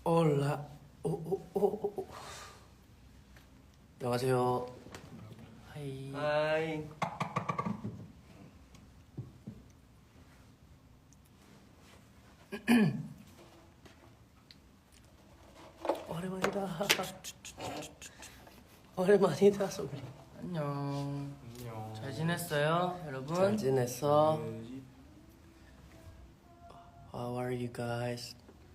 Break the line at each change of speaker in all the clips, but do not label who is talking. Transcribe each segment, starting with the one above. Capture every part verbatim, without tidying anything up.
올라 오오오. 안녕하세요. 하이.
하이.
오랜만이다. 오랜만이다 소리.
안녕.
안녕.
잘 지냈어요, 여러분?
잘 지냈어? How are you guys?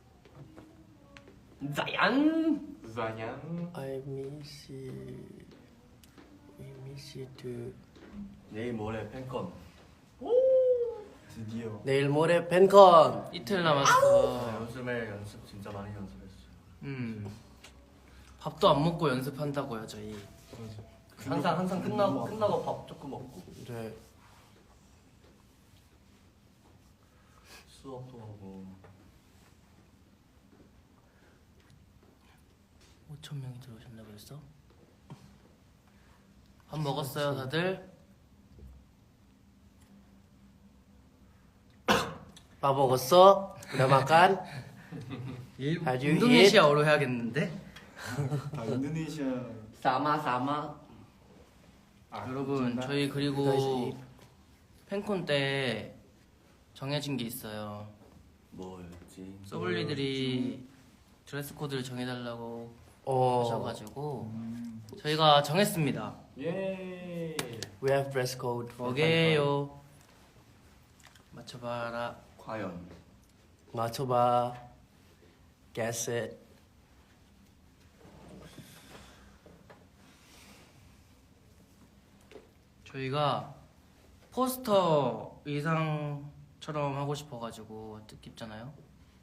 자얀.
자냥.
I miss you. We miss you too.
내일 모레 팬콘.
드디어.
내일 모레 팬콘.
이틀 남았어. 요즘에 연습 진짜 많이 연습했어요. 음. 밥도 안 먹고 연습한다고요, 저희.
맞아.
항상 항상 끝나고 끝나고 밥 조금 먹고
네.
수업도 하고. 오천 명이 들어오셨나 그랬어? 밥 먹었어요, 다들?
밥 먹었어? udah makan?
일,
Have you
인도네시아어로 해야겠는데?
아 인도네시아.
사마 사마.
아,
여러분,
진짜?
저희 그리고
다시.
팬콘 때 정해진 게 있어요.
뭐였지?
소블리들이 드레스 코드를 정해달라고
어.
하셔가지고
음.
저희가 정했습니다.
예.
We have dress code. for
뭐게요? 맞춰봐라.
과연
팬콘. 맞춰봐. Guess it.
저희가 포스터 의상처럼 하고 싶어가지고 뜻깊잖아요.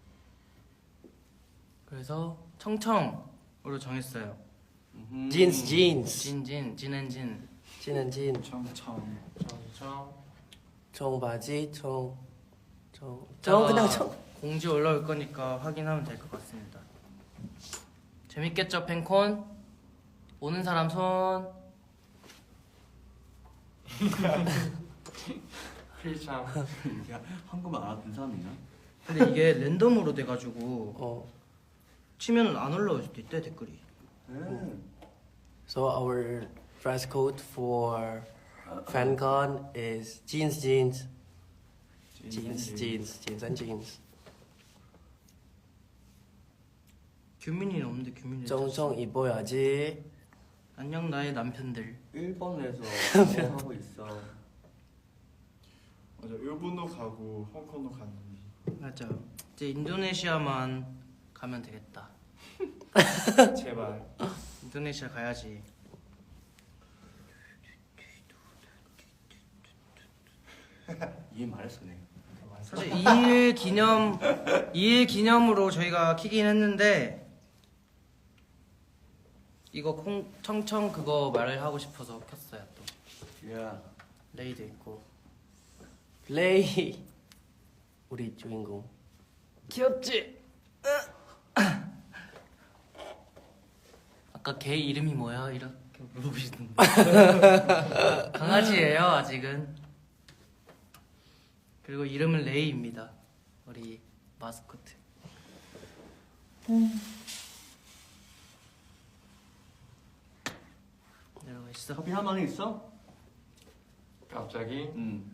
그래서 청청으로 정했어요.
Jeans, jeans.
진진, 진앤진.
진은 진.
청청.
청청.
청바지, 청. 청.
이따가
청 그냥 청.
공지 올라올 거니까 확인하면 될 것 같습니다. 재밌겠죠, 팬콘? 오는 사람 손.
필참.
이게 한국말 알아듣는 사람 있나?
근데 이게 랜덤으로 돼가지고
어.
치면 안 올라올 수도 있대, 댓글이.
음.
So our dress code for FanCon is jeans, jeans, jeans, jeans, jeans and jeans.
규민이는 없는데 규민이.
쩡쩡 입어야지.
안녕 나의 남편들.
일본에서 뭐 하고 있어.
맞아. 일본도 가고 홍콩도 갔는데.
맞아. 이제 인도네시아만 가면 되겠다.
제발.
인도네시아 가야지.
이해 말했어 내.
사실 이일 기념 이일 기념으로 저희가 키긴 했는데 이거 콩 청청 그거 말을 하고 싶어서 켰어요 또.
야.
레이도 있고.
레이. 우리 주인공.
귀엽지? 아까 걔 이름이 뭐야? 이렇게 물어보시던데. 강아지예요 아직은. 그리고 이름은 레이입니다. 우리 마스코트. 내려가 있어.
커피 한 방에 있어?
갑자기
응.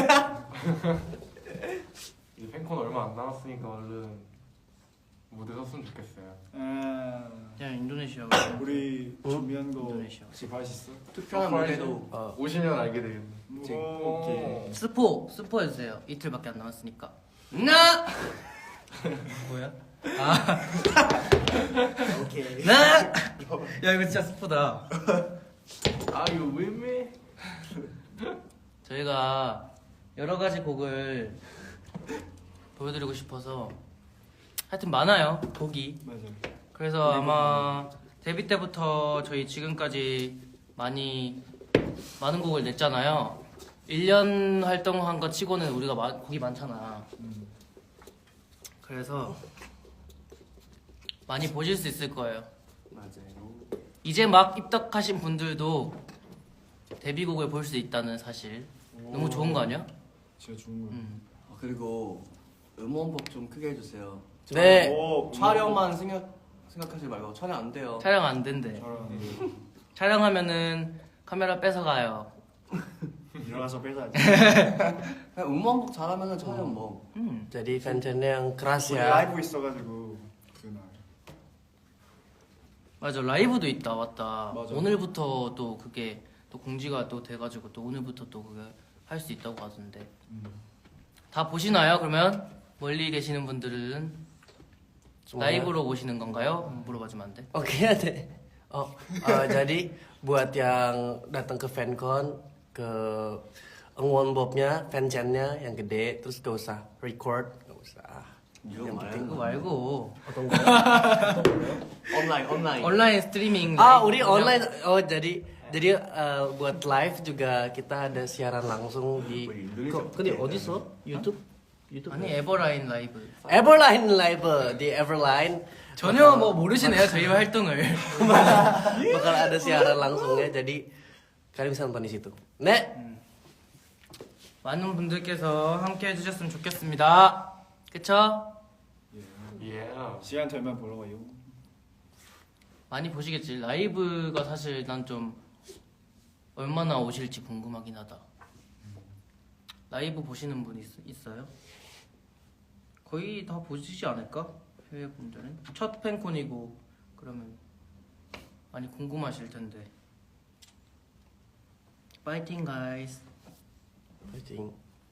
이 팬콘 얼마 안 남았으니까 얼른 무대 섰으면 좋겠어요.
아,
그냥 인도네시아.
우리 준비한 거
인도네시아.
혹시 맛있어?
투표한 무대도
어.
오시면 알게 되겠네.
오, 오케이.
스포 스포 해주세요. 이틀밖에 안 남았으니까. 나 뭐야? 아
오케이.
나. 야 이거 진짜 스포다.
아 이거 왜매?
저희가 여러 가지 곡을 보여드리고 싶어서 하여튼 많아요 곡이.
맞아.
그래서 아마 데뷔 때부터 저희 지금까지 많이 많은 곡을 냈잖아요. 일 년 활동한 거 치고는 우리가 마, 곡이 많잖아.
음.
그래서 많이 보실 수 있을 거예요.
맞아요.
이제 막 입덕하신 분들도 데뷔곡을 볼 수 있다는 사실. 너무 좋은 거 아니야?
진짜 좋은 거야.
음.
아, 그리고 음원법 좀 크게 해주세요.
네.
오,
촬영만 생각 생각하지 말고 촬영 안 돼요.
촬영 안 된대.
저런
촬영하면은 카메라 뺏어가요.
일어나서 빼자지.
그냥 음원곡 잘하면은 촬영 뭐.
음.
Jadi fan channel yang keras
우리
ya.
라이브 있어가지고 그날.
맞아, 라이브도 있다. 맞다.
맞아.
오늘부터 또 그게 또 공지가 또 돼가지고 또 오늘부터 또 그게 할 수 있다고 하던데.
음.
다 보시나요? 그러면 멀리 계시는 분들은
Semuanya.
라이브로 보시는 건가요? 물어봐주면 안 돼?
Oke deh. Oh, eh, jadi buat yang datang ke fancon ke Engwon Bobnya, fanchannya yang gede, terus gak usah record, gak usah.
이거
Yang penting
그거
말고
말고
Atau enggak?
온라인 온라인.
온라인 스트리밍.
Ah,
라이브
Uri
그냥-
online. Oh, jadi jadi eh, buat live juga kita ada siaran langsung di. Kok ini 어디서? YouTube? YouTube?
아니 에버라인 라이브.
Everline live di Everline.
전혀 뭐 모르시네요 저희 활동을.
Bakal ada siaran langsungnya, jadi kalian bisa nonton di situ. 네.
많은 분들께서 함께 해주셨으면 좋겠습니다. 그쵸?
예.
시간 되면 보러 가요.
많이 보시겠지. 라이브가 사실 난 좀 얼마나 오실지 궁금하긴 하다. 라이브 보시는 분 있, 있어요? 거의 다 보시지 않을까? 해외 분들은 첫 팬콘이고 그러면 많이 궁금하실 텐데. 파이팅 가이스.
파이팅.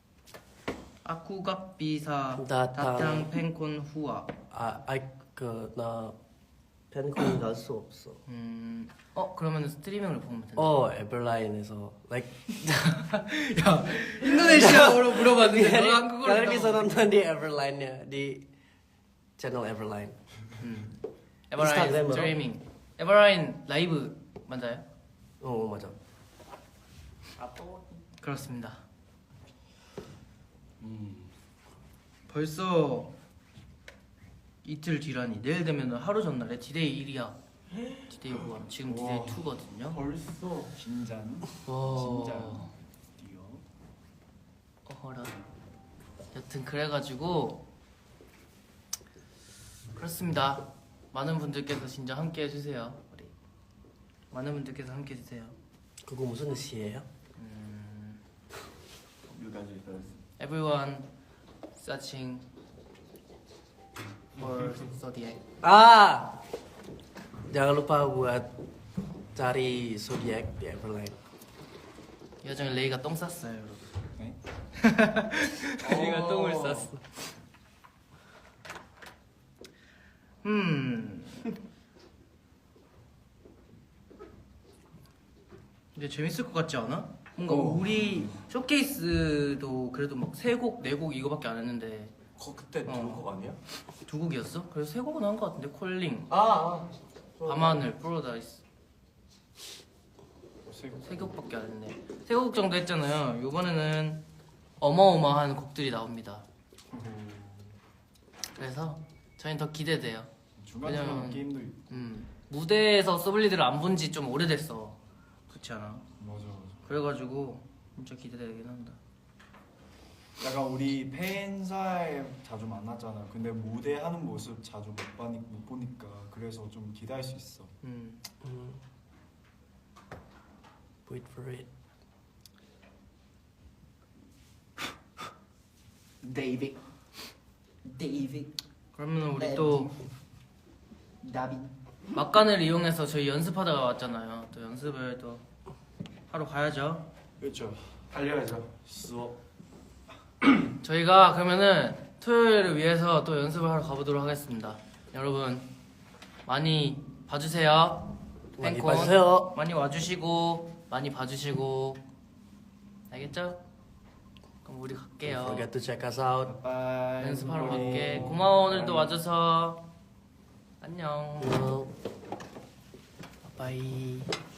아쿠갑 비사
다탕.
다탕 팬콘 후아.
아, 아이 그나 팬콘 갈 수 없어.
음, 어 그러면 스트리밍을 보면 된다.
Oh, Everline에서 like
야 인도네시아어로 물어봤는데 너가 한국어로
kalian
했다고.
bisa nonton di Everline-nya di channel Everline.
음. 에버라인
인스타그램으로?
스트리밍. 에버라인 라이브 맞아요?
Oh, 맞아.
그렇습니다.
음.
벌써 이틀 뒤라니. 내일 되면 하루 전날에 디데이 일이야. 디데이 일. 지금 디데이
우와.
이거든요.
벌써.
긴장.
와.
진짜. 뛰어.
어허라. 여튼 그래가지고 그렇습니다. 많은 분들께서 진짜 함께 해주세요. 우리 많은 분들께서 함께 해주세요.
그거 무슨 시예요?
여기까지 first.
Everyone searching for zodiac.
Ah, jangan lupa buat cari zodiak di Everline.
이 와중에 레이가 똥 쌌어요, 여러분.
네?
레이가 똥을 쌌어. 음. 근데 재밌을 것 같지 않아? 뭔가
어.
우리 쇼케이스도 그래도 막 세 곡, 네 곡 이거밖에 안 했는데
거 그때
어.
두곡 아니야?
두 곡이었어? 그래서 세 곡은 한 것 같은데 콜링,
아. 아.
밤하늘, 프로다이스
세
세 곡밖에 안 했네. 세 곡 정도 했잖아요. 이번에는 어마어마한 곡들이 나옵니다. 그래서 저희는 더 기대돼요.
중간중간
왜냐면-
게임도 있고.
음, 무대에서 서블리드를 안 본 지 좀 오래됐어. 그렇지 않아?
맞아 맞아.
그래가지고 진짜 기대되긴 한다.
약간 우리 팬사에 자주 만났잖아. 근데 무대 하는 모습 자주 못, 봐니, 못 보니까 그래서 좀 기대할 수 있어.
음.
Hmm. Wait for it.
데이빅. 데이빅.
그러면 우리 또
다빈.
막간을 이용해서 저희 연습하다가 왔잖아요. 또 연습을 또 하러 가야죠.
그렇죠.
달려야죠.
수업.
저희가 그러면은 토요일을 위해서 또 연습을 하러 가보도록 하겠습니다. 여러분 많이 봐주세요.
많이
팬콘.
봐주세요.
많이 와주시고 많이 봐주시고 알겠죠? 그럼 우리
Don't
갈게요.
forget to check us out.
바이.
연습하러 갈게. 고마워 오늘도 와줘서. 안녕.
Well, bye.